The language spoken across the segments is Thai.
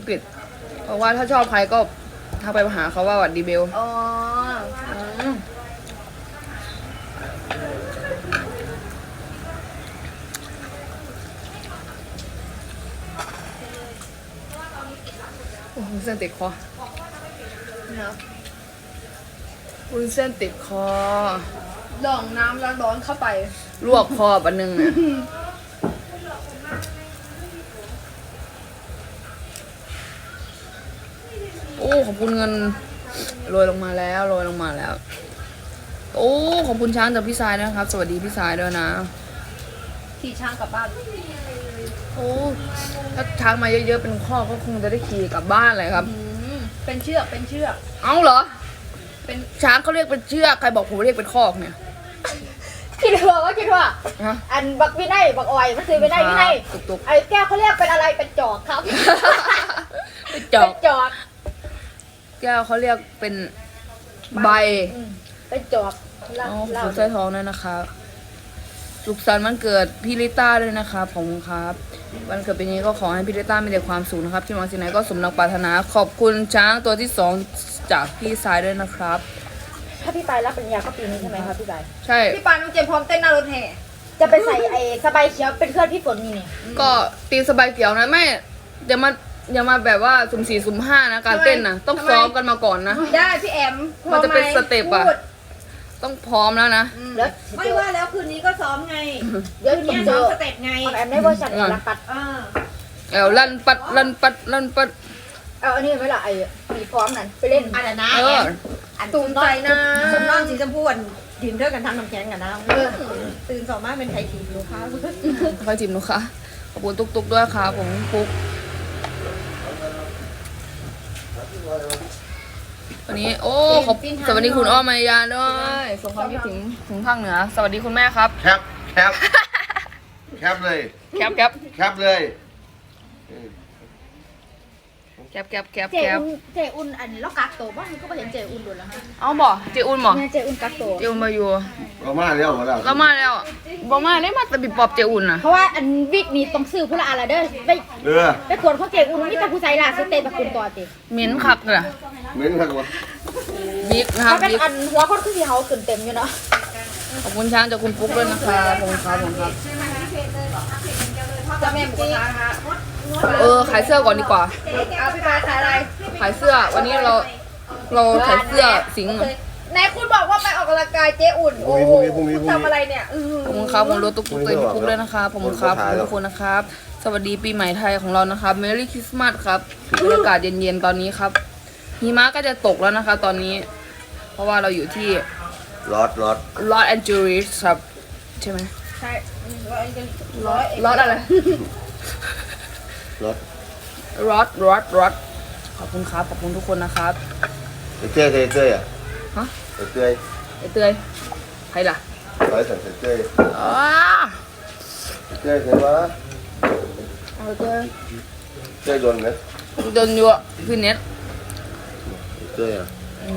งกฤษเพราะว่าถ้าชอบใครก็ทักไปหาเขาว่าหวัดดีเบลอ๋อโอ้โหเส้นติดคอเนาะวุ้นเส้นติดคอลองน้ำร้อนๆเข้าไปลวกคอปันหนึ่งเนี่ยโอ้ขอบคุณเงินโรยลงมาแล้วโรยลงมาแล้ว โอ้ขอบคุณช้างจากพี่สายนะครับ สวัสดีพี่สายด้วยนะขี่ช้างกลับบ้านโอ้ถ้าช้างมาเยอะๆเป็นข้อกก็คงจะได้ขี่กลับบ้านเลยครับเป็นเชือกเป็นเชือกเอ้าเหรอเป็นช้างเขาเรียกเป็นเชือกใครบอกผมเรียกเป็นคอกเนี่ยคิดว่าฮะอันบักวินัยบักออยมันคือวินัยตุกไอ้แก้วเขาเรียกเป็นอะไรเป็นจอกครับๆเป็นจอเป็กนจอกแก้วเขาเรียกเป็นใบเป็นจอกอ๋อขอบคุณสร้อยทองด้วยนะคะสุขสันต์วันเกิดพี่ลิต้าด้วยนะคะขอบคุณครับวันเกิดปีนี้ก็ขอให้พี่ลิต้ามีแต่ความสุขนะครับที่หวังสิ่งไหนก็สมดังปรารถนาขอบคุณช้างตัวที่2จากพี่สายด้วยนะครับถ้าพี่ปายรับปริญญาก็ปีนี้ใช่ไหมครับพี่ปายใช่พี่ปานน้องเจมส์พร้อมเต้นหน้ารถแห่จะไปใส่ไอ้สบายเขียวเป็นเพื่อนพี่ฝนนี่ก็ตีสบายเกี่ยวนะไม่อย่ามาแบบว่าสุ่ม4สุ่ม5นะการเต้นนะต้องซ้อมกันมาก่อนนะได้พี่แอมมันจะเป็นสเต็ปอะพูดต้องพร้อมแล้วนะแล้วไม่ว่าแล้วคืนนี้ก็ซ้อมไงเดี๋ยวคืนเนี่นี้ยซ้ซ้ออมมสเต็ปไงแอมในเวอร์ชันรักปัดอ่าลั่นปัดลั่นปัดลั่นปัดเอาอันนี้ไว้ละไอ้มีพร้อมนั่นไปเล่นอันนั้นนะเอออันตูตุนนใจใจนะสมน้องสีชมพูอันยืนเท่ากันทำน้ำแข็งกันนะตื่นสองมากเป็นไทยทีมลูกค้าคอยจิมหนูค่ะขอบคุณตุ๊กๆด้วยค่ะผมปุ๊กวันนี้โอ้ขอบสวัสดีคุณอ้อมายาด้วยส่งความคิดถึงภาคเหนือสวัสดีคุณแม่ครับแคปแคปเลยแคปแคปเลยแคปเจอุ่นอันล็อกกักโตบ้างก็ไปเห็นเจอุ่นดูแล้วฮะเอาบ่เจอุ่นบ่เนี่ยเจอุ่นกักโตเจอุ่นมาอยู่เรามาแล้วมาแล้วเรามาแล้วบ่มาได้มาแต่บิบปอบเจอุ่นน่ะเพราะว่าอันวิกนี้ต้องซื้อผู้ละอะไรเด้อไปเออไปขวดของเจอุ่นมีแต่ผู้ชายล่ะสุดเตะตะกุนตัวติเหม็นคักเลยอะเหม็นครับวะบิ๊กนะครับถ้าเป็นบิ๊กอันหัวคนคือที่เขาขึ้นเต็มอยู่เนาะขอบคุณช้างจากคุณปุ๊กด้วยนะคะขอบคุณครับผมครับจะแม่หมูกระทะนะคะขายเสื้อก่อนดีกว่าเอาพี่ปานขายอะไรขายเสื้อวันนี้เราขายเสื้อสิงห์ไหนคุณบอกว่าไปออกกำลังกายเจ๊อุ่น โอ้โหคุณทำอะไรเนี่ยขอบคุณครับผมรถตุ๊กตุ๊กตัวปุ๊กด้วยนะครับขอบคุณครับขอบคุณทุกคนนะครับ สวัสดีปีใหม่ไทยของเรานะครับ Merry Christmas ครับบรรยากาศเย็นๆตอนนี้ครับหิมะก็จะตกแล้วนะคะตอนนี้ เพราะว่าเราอยู่ที่รอดลอสแอนเจลิสครับใช่ไหมใช่ลอสอะไรรอดรอสขอบคุณครับขอบคุณทุกคนนะครับเต้ยอ่ะฮะเต้ยไอเตยใครล่ะร้อยสั่งเต้ยอ้าเต้ยใช่ปะเอาเตยเต้ยโดนไหมโดนอยู่พี่เน็ตเต้ยอ่ะ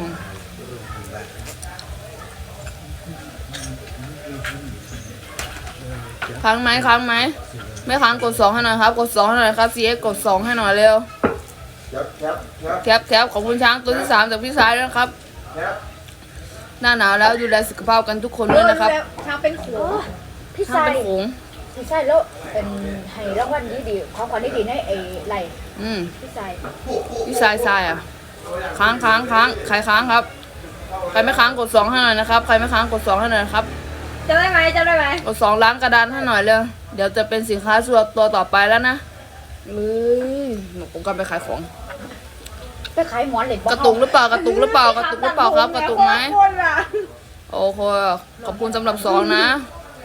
ค้างไหมไม่ค้างกด2ให้หน่อยครับกด2ให้หน่อยครับ CX กด2ให้หน่อยเร็ว แคปขอบคุณช้างตัวที่3จากพี่สายด้วยนะครับ หน้าหนาวแล้วดูแลสุขภาพกันทุกคนด้วยนะครับช้างเป็นขวพี่ช้างชายเป็นโขงพี่ชายแล้วเป็นให้รางวัลดีของขวัญดีให้ไอ้ไหล พี่ชายพี่สายอ่ะค้างใครค้างครับใครไม่ค้างกด2ให้หน่อยนะครับใครไม่ค้างกด2ให้หน่อยนะครับจะได้ไหมกด2ล้างกระดานให้หน่อยเร็วเดี๋ยวจะเป็นสินค้าตัวต่อไปแล้วนะหนูผมกำลังไปขายของไปขายหมอนเหล็กกระตุกหรือเปล่ากระตุกหรือเปล่าครับกระตุกไหมโอเคขอบคุณสำหรับ2นะ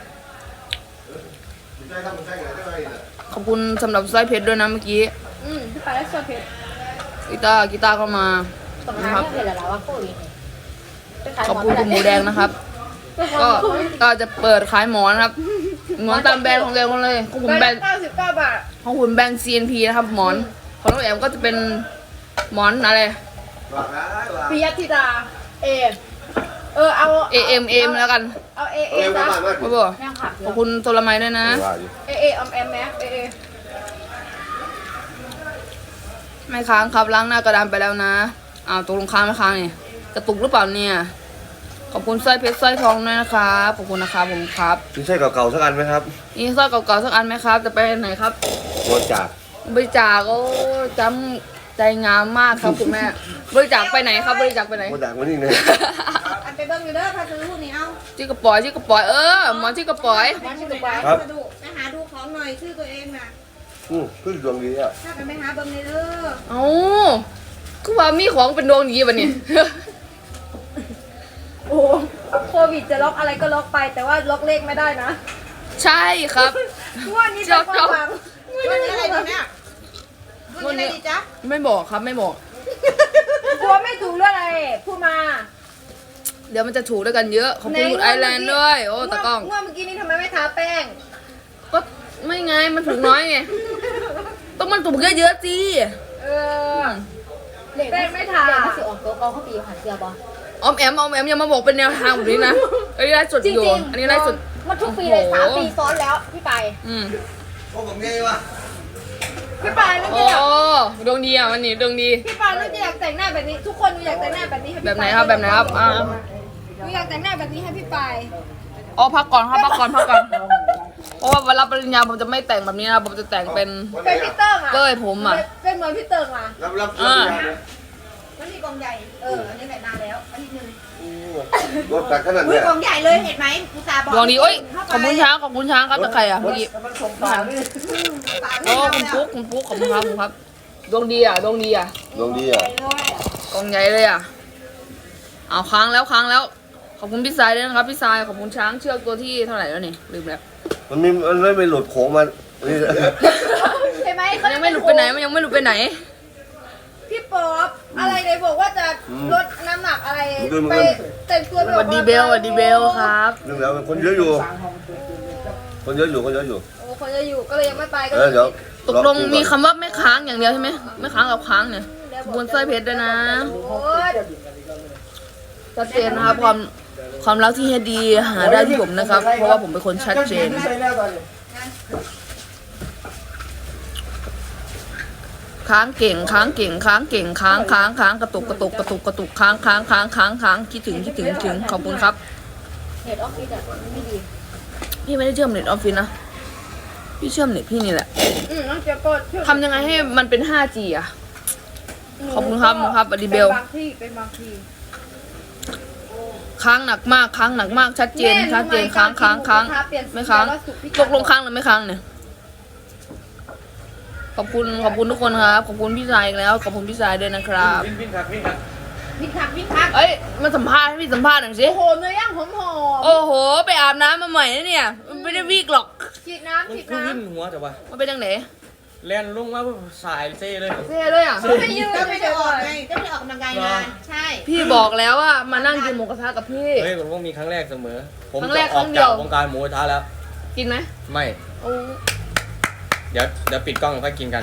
ขอบคุณสำหรับสร้อยเพชรด้วยนะเมื่อกี้พี่ปานได้โซเพชรกีตาร์เข้ามาตรงนั้นเนี่ยเห็นแล้วว่าโควิดขอบคุณคุณหมูแดงนะครับ ก็จะเปิดขายหมอนครับหมอนตามแบรนด์ของเองเลยของผมแบรนด์ 99 บาทของผมแบรนด์ CNP นะครับหมอนของน้องแอมก็จะเป็นหมอนอะไรปิยธิดา เอา AM แล้วกันเอาเอ้ยซะมาครับผมขอบคุณโทรไมด้วยนะออมแอมแม็กไม่ค้างครับล้างหน้ากระดานไปแล้วนะอ้าวตกลงค้างไม่ค้างนี่กระตุกหรือเปล่าเนี่ยขอบคุณสร้อยเพชรสร้อยทองด้วยนะครับขอบคุณนะครับผมครับมีใช่เก่าๆสักอันไหมครับนี่สร้อยเก่าๆสักอันไหมครับจะไปไหนครับบริจาคบริจาคโอ้จำใจงามมากครับคุณแม่บริจาคไปไหนครับบริจาคไปไหนบริจาคมานี่เลยอันไปเบิ่งอยู่เด้อถ้าซื้อพวกนี้เอาจิกกระป๋อยหมอจิกกระป๋อยมันชื่อว่าครับมาดูไปหาดูของหน่อยชื่อตัวเองน่ะขึ้นดวงดีอ่ะถ้ากันไปหาเบิ่งในเด้อเอ้าคือว่ามีของเป็นดวงดีป่ะเนี่ยโอ้โควิดจะล็อกอะไรก็ล็อกไป แต่ว่าล็อกเลขไม่ได้นะใช่ครับงวดนี้เป็นความหวังวันนี้อะไรดีเนี่ยวันนี้อะไรดีจ๊ะไม่บอกครับไม่บอกกลัวไม่ถูกเรื่องอะไรพูดมาเดี๋ยวมันจะถูกด้วยกันเยอะขอบคุณคุณไอแลนด์ด้วยโอ้ตะกล้องงวดเมื่อกี้นี้ทำไมไม่ทาแป้งก็ไม่ไงมันถูกน้อยไงต้องมันถูกเยอะๆสิเออเด็กไม่ทาเด็กไม่สิออกตัวกองเขาปีหันเสียบ่ออมแอมอย่ามาบอกเป็นแนวทางแบบนี้นะอันนี้ได้สุดจริงอยู่จริงอันนี้ได้สุดมันทุกปีเลย3 ปีซ้อนแล้วพี่ไปอืมโอ้ผมไงวะพี่ปายนึกโอ้จะอยากดวงดีอ่ะวันนี้ดวงดีพี่ปายนึกจะอยากแต่งหน้าแบบนี้ ทุกคนอยากแต่งหน้าแบบนี้ให้พี่แบบไหนปายครับแบบไหนครับอ่าหนูอยากแต่งหน้าแบบนี้ให้พี่ปายอ๋อพักก่อนครับพักก่อนเพราะว่าเวลาปริญญาผมจะไม่แต่งแบบนี้นะผมจะแต่งเป็นเป็นพี่เติ้งอ่ะเก้ยผมอ่ะเป็นเหมือนพี่เติ้งอ่ะรับอ่าวันนี้กองใหญ่อันนี้แหละนานแล้วอันนี้นึงรถตักขนาดอุ้ยเนี้ยกองใหญ่เลยเห็นไหมอุตส่าห์บอกดวงดีโอ้ยขเข้าอบไปคุณช้างครับแต่ใครอ่ะเมื่อกี้ฝากโอ้ให้เราคุณปุ๊กขอบคุณครับดวงดีอ่ะดวงดีอ่ะกองใหญ่เลยอ่ะเอาค้างแล้วขอบคุณพี่สายด้วยนะครับพี่สายขอบคุณช้างเชือกตัวที่เท่าไหร่แล้วนี่ลืมแล้วมันไม่หลุดโค้งมานี่ใช่ไหมมันยังไม่หลุดไปไหนมันยังไม่หลุดไปไหนพี่ป๊อปอะไรเลยบอกว่าจะลดน้ำหนักอะไรไปแต่งตัวสวัสดีเบลครับเรื่องแล้วคนเยอะอยู่ คนเยอะอยู่โอ้คนจะอยู่ก็เลยยังไม่ไปก็เดี๋ยวตกลงมีคำว่าไม่ค้างอย่างเดียวใช่ไหมไม่ค้างกับค้างเนี่ยขอบคุณสร้อยเพชรด้วยนะโอ้ยชัดเจนนะครับความรักที่เฮดดีหาได้ที่ผมนะครับ เพราะว่าผมเป็นคนชัดเจนค้างเก่งค้างกระตุกค้างคิดถึงขอบคุณครับเน็ตออฟฟิศอ่ะไม่ดีพี่ไม่ได้เชื่อมเน็ตออฟฟิศนะพี่เชื่อมเน็ตพี่นี่แหละน้องเจ๊ก็ช่วยทำยังไงให้มันเป็น 5G อ่ะขอบคุณครับอดีเบลเป็นบางที่ค้างหนักมากชัดเจนค้างไม่ค้างตกลงค้างหรือไม่ค้างเนี่ยขอบคุณทุกคนครับขอบคุณพี่ชายอีกแล้วขอบคุณพี่ชายด้วยนะครับวิ่งคักเอ้ยมาสัมภาษณ์ให้พี่สัมภาษณ์หน่อยสิโอ้โหเนื้อย่างหอมโอ้โหไปอาบน้ำมาใหม่นะเนี่ยมันไม่ได้วีกหรอกๆฉีดน้ำคือวิ่งหัวแต่ว่ามันเป็นยังไงแล่นลงมาสายเซ่เลยเซ่เลยอ่ะไม่ยืนก็ไม่ไม่ได้ได้ออออก กไงไงก็ไม่ได้ออกกำลังกายนานใช่พี่บอกแล้วว่ามานั่งกินหมูกระทะกับพี่เฮ้ยมันต้องมีครั้งแรกเสมอ ผมครั้งจะแรกอครั้อกงเดีจายวกวงการหมูกระทะแล้วกินไหมไม่โอ้เดี๋ยวปิดกล้องค่อยกินกัน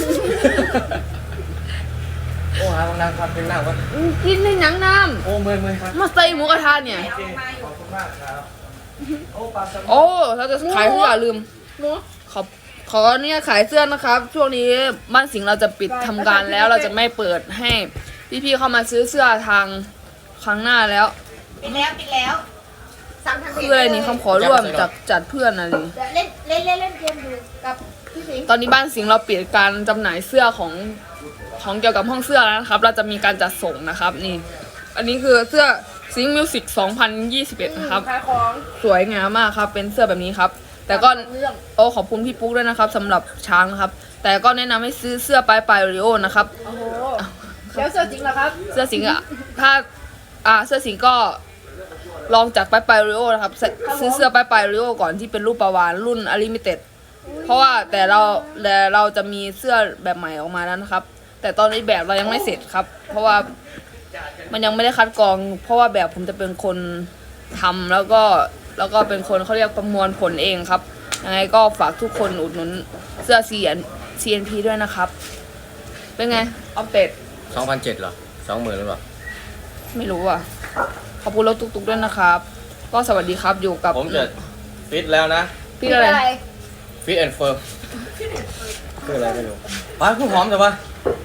โอ้หาบางนางครับเป็นหน้าว่ากินในหนังน้โอ้เมื่อยครับำมาใส่หมูกระทะเนี่ยขอบคุณมากครับโอ้ปลาสโอ้เราจะขายเสื้อลืมขอเนี่ยขายเสื้อนะครับ ช่วงนี้บ้านสิงห์เราจะปิดทำการแล้วเราจะไม่เปิดให้พี่ๆเข้ามาซื้อเสื้อทางครั้งหน้าแล้วปิดแล้วสั่งทางคืออะไรนี่คำขอร่วมจากจัดเพื่อนอะไรนี่เล่นเกมอยู่กับพี่สิงห์ตอนนี้บ้านสิงห์เราปิดการจำหน่ายเสื้อของเกี่ยวกับห้องเสื้อแล้วนะครับ เราจะมีการจัดส่งนะครับนี่ อันนี้คือเสื้อสิงห์มิวสิก2021นะครับขายของสวยงามมากครับเป็นเสื้อแบบนี้ครับ แต่ก็โอ้ขอบคุณพี่ปุ๊กด้วยนะครับสำหรับช้างนะครับ แต่ก็แนะนำให้ซื้อเสื้อปลายริโอนะครับโอ้โหแล้วเสื้อจริงเหรอครับเสื้อสิงห์อะถ้าเสื้อสิงห์ก็ลองจากปลายริโอนะครับซื้อเสื้อปลายริโอก่อนที่เป็นรูปปลาวาฬรุ่นอลิมิเต็ดเพราะว่าแต่เราจะมีเสื้อแบบใหม่ออกมาแล้วนะครับ แต่ตอนนี้แบบเรายังไม่เสร็จครับ เพราะว่ามันยังไม่ได้คัดกรอง เพราะว่าแบบผมจะเป็นคนทำแล้วก็เป็นคนเขาเรียกประมวลผลเองครับยังไงก็ฝากทุกคนอุดหนุนเสื้อ CNP ด้วยนะครับ เป็นไงอัปเดต 2,700เหรอ20,000หรือเปล่าไม่รู้อ่ะขอบคุณรถตุกๆด้วยนะครับ ก็สวัสดีครับอยู่กับผมจะฟิตแล้วนะพี่อะไรฟิตแอนด์เฟิร์มคืออะไรไม่รู้ป้าคุณหอมแต่ว่า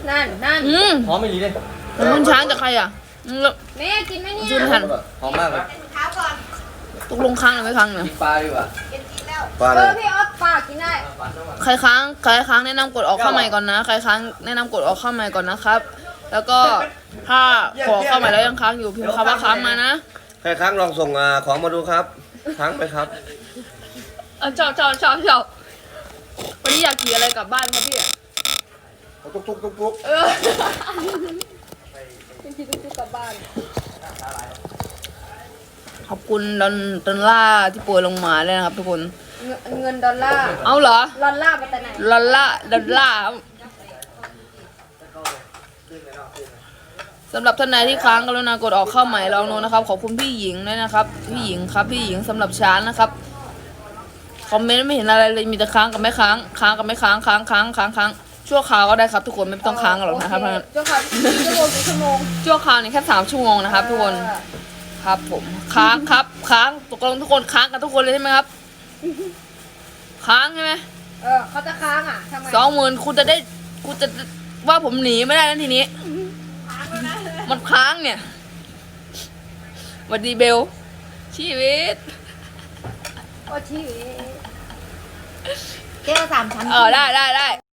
นั่นหอมไม่ดีเลยแล้วคุณช้างจากใครอ่ะแล้วแม่กินไหมเนี่ยจุนหันหอมมากเลยตกลงค้างหรือไม่ค้างเนี่ยกินปลาดีกว่าปลาเลยพี่ออฟปากกินได้ใครค้างแนะนำกดออกเข้าใหม่ก่อนนะ ใครค้างแนะนำกดออกเข้าใหม่ก่อนนะครับ แล้วก็ถ้ากดเข้าใหม่แล้วยังค้างอยู่พิมพ์คำว่าค้างมานะใครค้างลองส่งของมาดูครับค้างไปครับชอบวันนี้อยากขี่อะไรกลับบ้านครับพี่ทุกเออกินทีทุกๆกลับบ้านขอบคุณดอลล่าที่ป่วยลงมาเลยนะครับทุกคนเงินดอลลาร์เอาเหรอดอลลาร์มาแต่ไหนดอลล่าครับสำหรับท่านใดที่ค้างกรุณากดออกเข้าใหม่ลองดูนะครับ ขอบคุณพี่หญิงด้วยนะครับ พี่หญิงครับพี่หญิงสำหรับช้านนะครับ คอมเมนต์ไม่เห็นอะไรเลยมีแต่ค้างกับไม่ค้างกับไม่ค้างชั่วคราวก็ได้ครับทุกคนไม่ต้องค้างกันหรอกนะครับโอเจ้าค่ะกี่ชั่วโมงชั่วคราวนี่แค่3 ชั่วโมงนะครับทุกคนครับผมค้างครับค้างตกลงทุกคนค้างกันทุกคนเลยใช่ไหมครับค้างใช่ไหมเขาจะค้างอ่ะทำไม 20,000คุณจะว่าผมหนีไม่ได้แล้วทีนี้มันค้างเนี่ยสวัสดีเบลชีวิตโอ้ชีวิตแก้ว3 ชั้นได้